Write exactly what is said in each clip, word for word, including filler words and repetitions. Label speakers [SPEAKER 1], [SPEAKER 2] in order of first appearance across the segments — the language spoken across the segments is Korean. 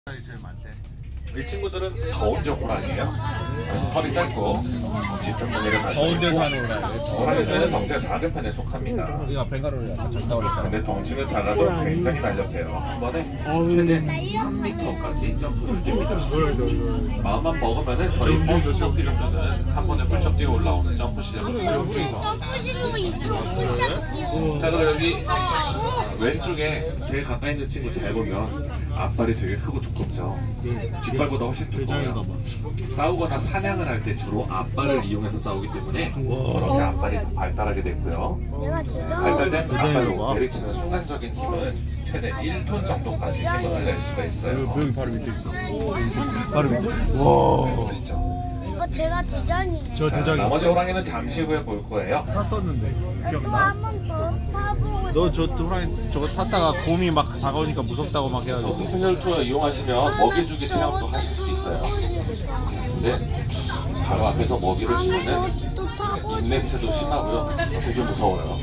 [SPEAKER 1] 제일 많대.
[SPEAKER 2] 이 친구들은 더운적 호랑이에요. 그래서 털이 짧고 짙은 무늬를 가지고
[SPEAKER 1] 더운 데서
[SPEAKER 2] 있고,
[SPEAKER 1] 하는 호랑이.
[SPEAKER 2] 호랑이들은 덩치가 작은 편에 속합니다.
[SPEAKER 1] 우리가 벵갈로를 아까 작다고 그랬잖아.
[SPEAKER 2] 근데 덩치는 작아도 굉장히 날렵해요. 한 번에 최대 삼 미터까지 점프를 뜁니다. 마음만 먹으면은 저희 버스 점프 정도는 한 번에 훌쩍 뛰어 올라오는 점프 실력을 보여주고 있어.
[SPEAKER 3] 점프실로 있어 혼자 뛰어.
[SPEAKER 2] 자, 그럼 여기 왼쪽에 제일 가까이 있는 친구 잘 보면 앞발이 되게 크고 두껍죠. 뒷발보다 훨씬 두꺼워요. 싸우거나 사냥을 할 때 주로 앞발을 이용해서 싸우기 때문에 그렇게 앞발이 더 발달하게 됐고요.
[SPEAKER 3] 내가 대장.
[SPEAKER 2] 발달된 앞발로
[SPEAKER 1] 봐.
[SPEAKER 2] 내리치는 순간적인 힘은 최대 일 톤 정도까지 힘을 낼 수가 있어요.
[SPEAKER 1] 여기 바로 밑에 있어. 바로 밑에. 와.
[SPEAKER 2] 보시죠.
[SPEAKER 3] 이거 제가 대장이에요.
[SPEAKER 1] 저
[SPEAKER 2] 자,
[SPEAKER 1] 대장이
[SPEAKER 2] 나머지 호랑이는 잠시 후에 볼 거예요.
[SPEAKER 1] 샀었는데.
[SPEAKER 3] 또
[SPEAKER 1] 기억나?
[SPEAKER 3] 한 번 더 타보고 싶어.
[SPEAKER 1] 너 저 호랑이 저거 탔다가 곰이 막 다가오니까 무섭다고 막
[SPEAKER 2] 저
[SPEAKER 1] 해가지고.
[SPEAKER 2] 스페셜 투어 이용하시면 먹이주기 체험도 하실 수 있어요. 근데 바로 앞에서 먹이를
[SPEAKER 3] 다음에
[SPEAKER 2] 주면은
[SPEAKER 3] 저또 타고
[SPEAKER 2] 입냄새도
[SPEAKER 3] 싶어.
[SPEAKER 2] 심하고요. 되게 무서워요.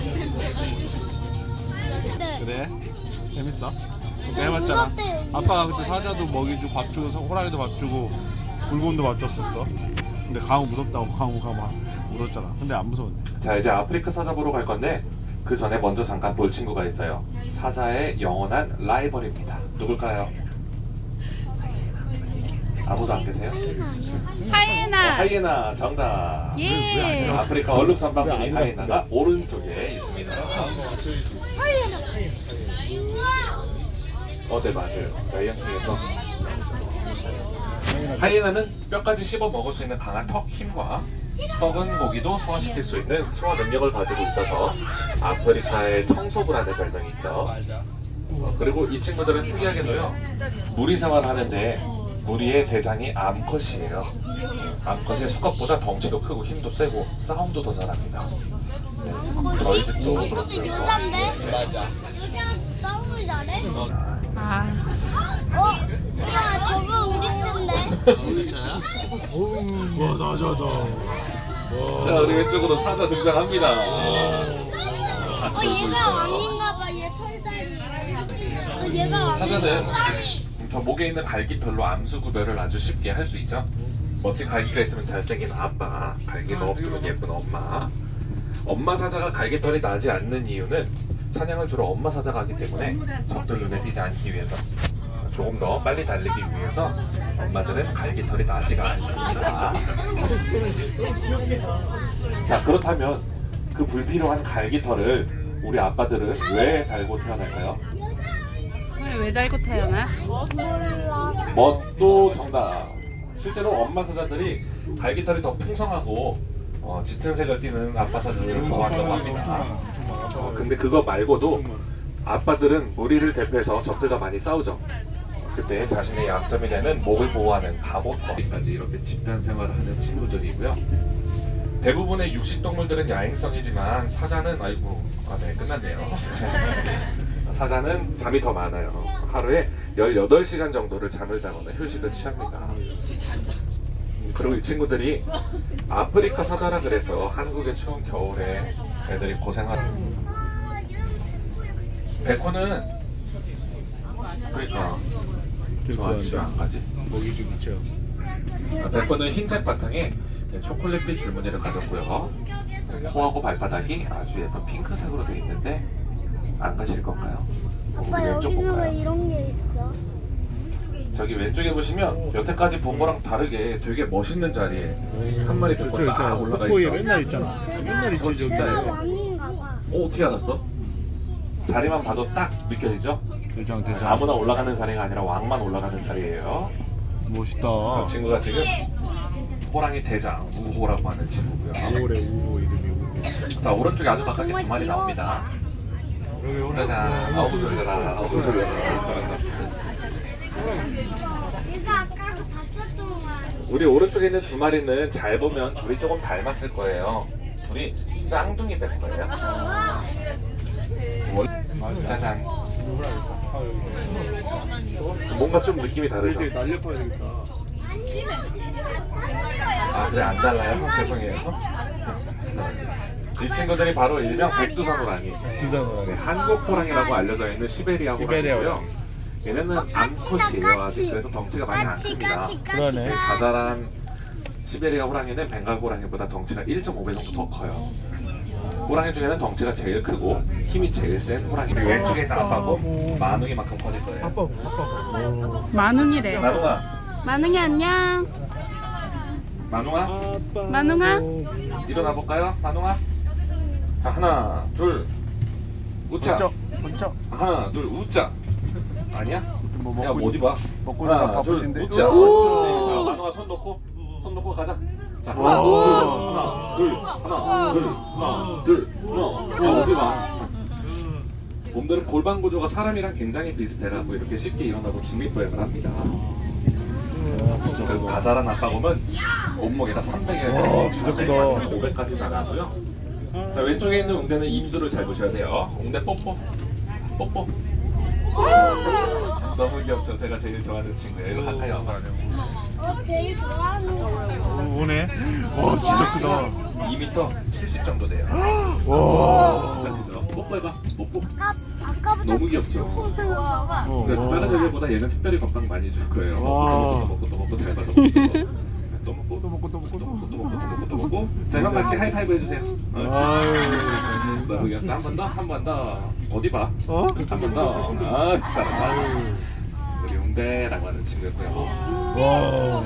[SPEAKER 3] 네.
[SPEAKER 1] 그래? 재밌어? 그때
[SPEAKER 3] 네,
[SPEAKER 1] 해봤잖아.
[SPEAKER 3] 무섭대요.
[SPEAKER 1] 아빠가 그때 사자도 먹이 주고 밥 주고 호랑이도 밥 주고 굴곰도 밥 줬었어. 근데 강우 무섭다고 강우가 막 울었잖아. 근데 안 무서웠네.
[SPEAKER 2] 자, 이제 아프리카 사자 보러 갈 건데 그 전에 먼저 잠깐 볼 친구가 있어요. 사자의 영원한 라이벌입니다. 누굴까요? 아무도 안 계세요? 어,
[SPEAKER 4] 하이에나.
[SPEAKER 2] 하이에나 정답.
[SPEAKER 4] 예.
[SPEAKER 2] 아프리카 얼룩 선방군이 하이에나가 오른쪽에 있습니다. 어, 네 맞아요. 라이언 중에서 하이에나는 뼈까지 씹어 먹을 수 있는 강한 턱 힘과 썩은 고기도 소화시킬 수 있는 소화 능력을 가지고 있어서 아프리카의 청소부라는 별명이 있죠. 어, 그리고 이 친구들은 특이하게도요 무리 생활하는데 무리의 대장이 암컷이에요. 암컷이 수컷보다 덩치도 크고 힘도 세고 싸움도 더 잘합니다. 네, 저희 집도
[SPEAKER 3] 이것도
[SPEAKER 2] 그렇고요.
[SPEAKER 3] 여잔데? 맞아. 여자 싸움을 잘해?
[SPEAKER 4] 아,
[SPEAKER 3] 어? 야 저거 우리 친데?
[SPEAKER 1] 우리 차야? 와 나자다.
[SPEAKER 2] 자, 우리 왼쪽으로 사자 등장합니다.
[SPEAKER 3] 어 얘가 왕인가봐. 얘 털다리. 어 얘가 왕.
[SPEAKER 2] 사자는 저 목에 있는 갈기털로 암수 구별을 아주 쉽게 할 수 있죠. 멋진 갈기가 있으면 잘생긴 아빠, 갈기가 없으면 예쁜 엄마. 엄마 사자가 갈기털이 나지 않는 이유는 사냥을 주로 엄마 사자가 하기 때문에 적들 눈에 띄지 않기 위해서, 조금 더 빨리 달리기 위해서 엄마들은 갈기털이 나지가 않습니다. 자, 그렇다면 그 불필요한 갈기털을 우리 아빠들은 왜 달고 태어날까요?
[SPEAKER 4] 왜 달고 태어나?
[SPEAKER 3] 몰라.
[SPEAKER 2] 멋도 정답. 실제로 엄마 사자들이 갈기털이 더 풍성하고 어, 짙은 색을 띠는 아빠 사자들을 좋아한다고 합니다. 어, 근데 그거 말고도 아빠들은 무리를 대표해서 적들과 많이 싸우죠. 그때 자신의 약점이 되는 목을 보호하는 갑옷까지 이렇게 집단 생활을 하는 친구들이고요. 대부분의 육식동물들은 야행성이지만 사자는 아이고 아, 네 끝났네요. 사자는 잠이 더 많아요. 하루에 열여덟 시간 정도를 잠을 자거나 휴식을 취합니다. 그리고 이 친구들이 아프리카 사자라 그래서 한국의 추운 겨울에 애들이 고생하는. 백호는 그러니까 좋아하지 안 가지.
[SPEAKER 1] 먹이 주기 체험.
[SPEAKER 2] 아, 백호는 흰색 바탕에 초콜릿빛 줄무늬를 가졌고요. 코하고 발바닥이 아주 예쁜 핑크색으로 되어 있는데 안 가실 건가요?
[SPEAKER 3] 아빠
[SPEAKER 2] 우리 왼쪽
[SPEAKER 3] 여기는 왜
[SPEAKER 2] 볼까요?
[SPEAKER 3] 이런 게 있어?
[SPEAKER 2] 저기 왼쪽에 보시면 여태까지 본 거랑 다르게 되게 멋있는 자리에 한 마리 백호 딱 올라가
[SPEAKER 1] 코코에
[SPEAKER 2] 있어.
[SPEAKER 1] 맨날 있잖아. 맨날 있지 저기.
[SPEAKER 3] 제가 왕인가봐.
[SPEAKER 2] 어, 어떻게 알았어? 자리만 봐도 딱 느껴지죠?
[SPEAKER 1] 대장 대장.
[SPEAKER 2] 아무나 올라가는 자리가 아니라 왕만 올라가는 자리예요.
[SPEAKER 1] 멋있다.
[SPEAKER 2] 저 친구가 지금 호랑이 대장 우호라고 하는 친구고요.
[SPEAKER 1] 우호래 우호 이름이 우호.
[SPEAKER 2] 자, 오른쪽에 아주 가깝게 두 마리 나옵니다.
[SPEAKER 1] 여기 오늘
[SPEAKER 2] 짜잔, 아우 소리라, 아우 소리라.
[SPEAKER 3] 얘가 아까 봤었던 거 아니야?
[SPEAKER 2] 우리 오른쪽에 있는 두 마리는 잘 보면 둘이 조금 닮았을 거예요. 둘이 쌍둥이 백호예요. 월- 짜잔. 뭔가 좀 느낌이 다르죠?
[SPEAKER 1] 되게 날렵해야 되겠다.
[SPEAKER 2] 아, 그래, 안 달라요? 죄송해요. 이 친구들이 바로 일명 백두산 호랑이.
[SPEAKER 1] 두산호랑이.
[SPEAKER 2] 네, 한국 호랑이라고 알려져 있는 시베리아
[SPEAKER 1] 시베리아
[SPEAKER 2] 호랑이고요. 얘네는
[SPEAKER 3] 어, 까치다,
[SPEAKER 2] 암컷이에요. 아직
[SPEAKER 3] 까치.
[SPEAKER 2] 그래서 덩치가 많이 안
[SPEAKER 3] 까치
[SPEAKER 2] 큽니다.
[SPEAKER 3] 까치 까치
[SPEAKER 1] 그러네.
[SPEAKER 3] 까치.
[SPEAKER 2] 가자란 시베리아 호랑이는 벵갈 호랑이보다 덩치가 일 점 오 배 정도 더 커요. 호랑이 중에는 덩치가 제일 크고 힘이 제일 센 호랑이. 왼쪽에 있는 아빠고 만웅이만큼 커질 거예요.
[SPEAKER 4] 만웅이래.
[SPEAKER 2] 만웅아,
[SPEAKER 4] 만웅이 안녕.
[SPEAKER 2] 만웅아,
[SPEAKER 4] 만웅아.
[SPEAKER 2] 일어나 볼까요? 만웅아. 자, 하나, 둘, 우짜.
[SPEAKER 1] 번쩍 번쩍.
[SPEAKER 2] 하나, 둘, 우짜. 아니야?
[SPEAKER 1] 뭐
[SPEAKER 2] 야,
[SPEAKER 1] 먹고
[SPEAKER 2] 어디 봐.
[SPEAKER 1] 먹고 있는
[SPEAKER 2] 하나, 둘,
[SPEAKER 1] 바쁘신데.
[SPEAKER 2] 우짜.
[SPEAKER 1] 오!
[SPEAKER 2] 자, 만웅아 손 놓고, 손 놓고 가자. 자, 하나,
[SPEAKER 1] 와.
[SPEAKER 2] 둘, 하나, 둘, 하나, 둘, 하나, 둘. 야, 어디 봐. 곰들은 골반 구조가 사람이랑 굉장히 비슷해라고 이렇게 쉽게 일어나고 직립보행을 합니다. 그리고 가자란 아빠곰은 몸무게가 삼백에서
[SPEAKER 1] 와, 진짜 크다.
[SPEAKER 2] 오백까지는 안 하고요. 자, 왼쪽에 있는 웅대는 입술을 잘 보셔야 돼요. 웅대 뽀뽀, 뽀뽀. 너무 귀엽죠? 제가 제일 좋아하는 친구예요. 이거 가까이 와봐.
[SPEAKER 3] 어 제일 좋아하는 거.
[SPEAKER 1] 오네. 와 진짜 크다.
[SPEAKER 2] 이 미터 칠십 정도 돼요.
[SPEAKER 1] 와.
[SPEAKER 2] 진짜 크죠? 뽀뽀해봐. 뽀뽀.
[SPEAKER 3] 아까 아까보다
[SPEAKER 2] 너무 귀엽죠?
[SPEAKER 3] 조금 크다.
[SPEAKER 1] 어,
[SPEAKER 2] 그래서 다른
[SPEAKER 1] 와.
[SPEAKER 2] 애들보다 얘는 특별히 건강 많이 줄 거예요.
[SPEAKER 1] 와.
[SPEAKER 2] 또 먹고 또 먹고 또 먹고 잘 받아 먹고 또 먹고
[SPEAKER 1] 또 먹고 또 먹고
[SPEAKER 2] 또
[SPEAKER 1] 또
[SPEAKER 2] 먹고 또
[SPEAKER 1] 먹고.
[SPEAKER 2] 먹고 또 먹고 또 먹고 자, 형 갈게 하이파이브 해주세요.
[SPEAKER 1] 아유.
[SPEAKER 2] 너무 귀엽다. 한 번 더, 한 번 더. 어디 봐?
[SPEAKER 1] 어?
[SPEAKER 2] 한 번 더. 아, 그 사람.
[SPEAKER 1] 아유.
[SPEAKER 2] 우리 웅대라고 하는 친구였고요.
[SPEAKER 1] 와.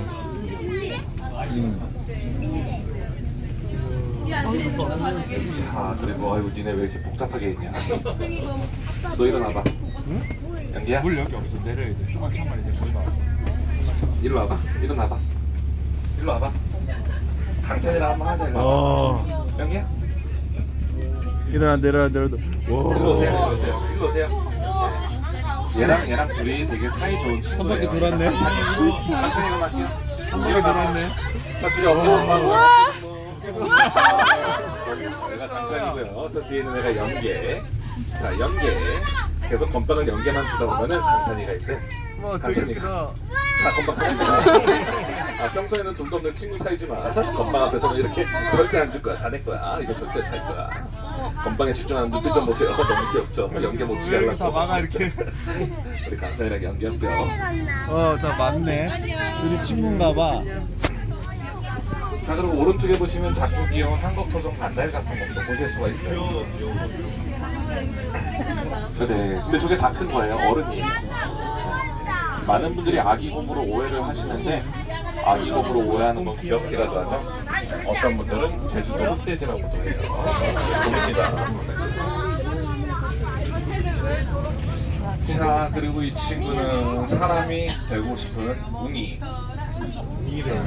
[SPEAKER 2] 자, 그리고 아이고 니네 왜 이렇게 복잡하게 있냐? 너 일어나봐. 연기야?
[SPEAKER 1] 물 여기 없어. 내려야 돼. 조금만 참아 이제 거의 나왔어.
[SPEAKER 2] 일로 와봐. 일어나봐. 일로 와봐. 강찬이랑 한번 하자. 일로 와봐.
[SPEAKER 1] 와.
[SPEAKER 2] 연기야?
[SPEAKER 1] 일어나 내려야 내려야.
[SPEAKER 2] 일로
[SPEAKER 1] 와.
[SPEAKER 2] 오세요. 일로 오세요. 일로 오세요. 얘랑 얘랑 둘이 되게 사이 좋은 친구예요.
[SPEAKER 1] 한 바퀴 돌았네.
[SPEAKER 2] 강찬이 일어날게요.
[SPEAKER 1] 한 번에 돌았네.
[SPEAKER 2] 자, 둘이 엎드려. 얘가 강찬이고요. 저 뒤에 있는 애가 연계. 자, 연계. 계속 건빵을 연계만 주다 보면은 강찬이가 있대.
[SPEAKER 1] 와 되게 크다.
[SPEAKER 2] 다 건빵 사이입니다. 아, 평소에는 돈도 없는 친구 사이지만 건빵 앞에서는 이렇게 절대 안 줄 거야. 다 내 거야. 이거 절대 다 할 거야. 건빵에 집중하는 눈빛 좀 보세요. 너무 귀엽죠? 연계 못 주게
[SPEAKER 1] 왜 이렇게 다
[SPEAKER 2] 하려고.
[SPEAKER 1] 막아 이렇게.
[SPEAKER 2] 우리 강찬이랑 연계였고요.
[SPEAKER 1] 어 다 맞네. 둘이 친구인가봐.
[SPEAKER 2] 자, 그리고 오른쪽에 보시면 작고 귀여운 한국토종 반달 같은 것도 보실 수가 있어요. 네, 근데 저게 다 큰 거예요. 어른이에요. 많은 분들이 아기곰으로 오해를 하시는데 아기곰으로 오해하는 건 귀엽기라도 하죠. 어떤 분들은 제주도 흑돼지라고도 해요. 봅니다. 자, 그리고 이 친구는 사람이 되고 싶은 웅이.
[SPEAKER 1] 이래.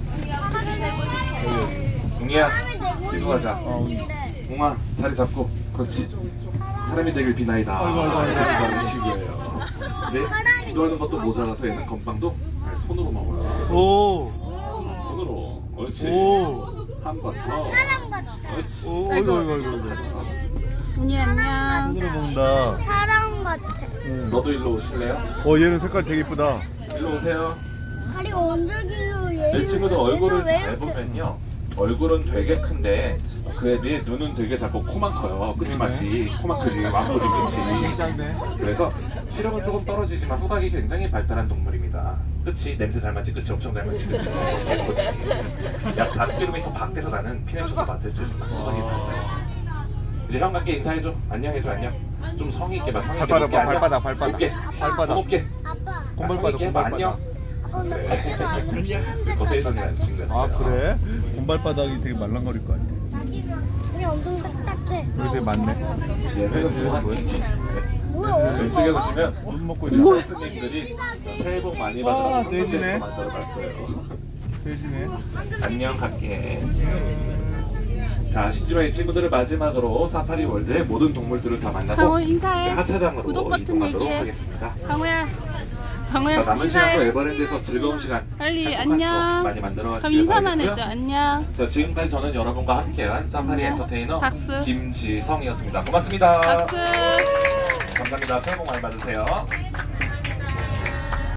[SPEAKER 2] 웅이야, 뒤로 가자.
[SPEAKER 1] 어.
[SPEAKER 2] 웅아, 자리 잡고. 그렇지. 사람이 되길 비나이다.
[SPEAKER 1] 아이고, 아이고, 아이고.
[SPEAKER 2] 이런 식이에요. 근데 기도하는 것도 모자라서 얘는 건빵도 손으로 먹어요.
[SPEAKER 1] 오.
[SPEAKER 2] 손으로. 옳지.
[SPEAKER 1] 오.
[SPEAKER 2] 한 번 더.
[SPEAKER 3] 사람 같아.
[SPEAKER 2] 옳지.
[SPEAKER 1] 오. 아이고 아이고 아이고. 아이고.
[SPEAKER 4] 웅이 안녕.
[SPEAKER 1] 손으로 먹는다.
[SPEAKER 3] 사람 같아.
[SPEAKER 2] 너도 일로 오실래요?
[SPEAKER 1] 어 얘는 색깔 되게 이쁘다.
[SPEAKER 2] 일로 오세요.
[SPEAKER 3] 다리가 언제길로 얘.
[SPEAKER 2] 이 친구도 얼굴을
[SPEAKER 3] 왜
[SPEAKER 2] 잘
[SPEAKER 3] 이렇게-
[SPEAKER 2] 보면요. 얼굴은 되게 큰데 그에 비해 눈은 되게 작고 코만 커요. 끝이 맞지. 코만 크지. 왕꼬리 끝이.
[SPEAKER 1] 작네.
[SPEAKER 2] 그래서 시력은 조금 떨어지지만 후각이 굉장히 발달한 동물입니다. 끝이 냄새 잘 맡지, 끝이 엄청 잘 맡지, 끝이 예쁘지. 약 사 킬로미터 밖에서 나는 피냄새도 맡을 수 있는 후각이 발달했어. 이제 형 같게 인사해줘. 안녕해줘. 안녕. 좀 성의 있게 봐. 성의 있게.
[SPEAKER 1] 발바닥
[SPEAKER 2] 높게
[SPEAKER 1] 봐,
[SPEAKER 2] 앉아.
[SPEAKER 1] 발바닥, 발바닥.
[SPEAKER 2] 높게.
[SPEAKER 1] 발바닥.
[SPEAKER 2] 높게.
[SPEAKER 3] 아빠.
[SPEAKER 1] 곰발바닥,
[SPEAKER 2] 성의 있게 해봐. 안녕.
[SPEAKER 1] 곰발바닥.
[SPEAKER 3] 어, 나 그때가 안
[SPEAKER 2] 거세이선이라는 친구였어요.
[SPEAKER 1] 아 그래? 곰발바닥이 되게 말랑거릴 것 같아.
[SPEAKER 3] 우리 엄청 딱딱해.
[SPEAKER 1] 여기 되게 많네.
[SPEAKER 2] 얘는 무한히.
[SPEAKER 3] 뭐야?
[SPEAKER 2] 왼쪽에 보시면
[SPEAKER 1] 물 먹고 있네.
[SPEAKER 2] 스님들이 새해 복 많이
[SPEAKER 1] 아,
[SPEAKER 2] 받으라고
[SPEAKER 1] 돼지네.
[SPEAKER 2] 만들어봤어요.
[SPEAKER 1] 돼지네.
[SPEAKER 2] 안녕 갈게. 자, 신주라의 친구들을 마지막으로 사파리 월드의 모든 동물들을 다 만나고
[SPEAKER 4] 강호 인사해.
[SPEAKER 2] 하차장으로
[SPEAKER 4] 구독 버튼
[SPEAKER 2] 이동하도록
[SPEAKER 4] 얘기해.
[SPEAKER 2] 하겠습니다.
[SPEAKER 4] 강호야.
[SPEAKER 2] 자,
[SPEAKER 4] 강호야
[SPEAKER 2] 남은 시간도
[SPEAKER 4] 인사해.
[SPEAKER 2] 에버랜드에서 즐거운 시간
[SPEAKER 4] 빨리
[SPEAKER 2] 행복한
[SPEAKER 4] 안녕.
[SPEAKER 2] 추억 많이 만들어
[SPEAKER 4] 그럼
[SPEAKER 2] 가시길
[SPEAKER 4] 인사만
[SPEAKER 2] 바라고요.
[SPEAKER 4] 해줘. 안녕.
[SPEAKER 2] 자, 지금까지 저는 여러분과 함께한 사파리 엔터테이너
[SPEAKER 4] 박수.
[SPEAKER 2] 김지성이었습니다. 고맙습니다.
[SPEAKER 4] 박수.
[SPEAKER 2] 감사합니다. 새해 복 많이 받으세요.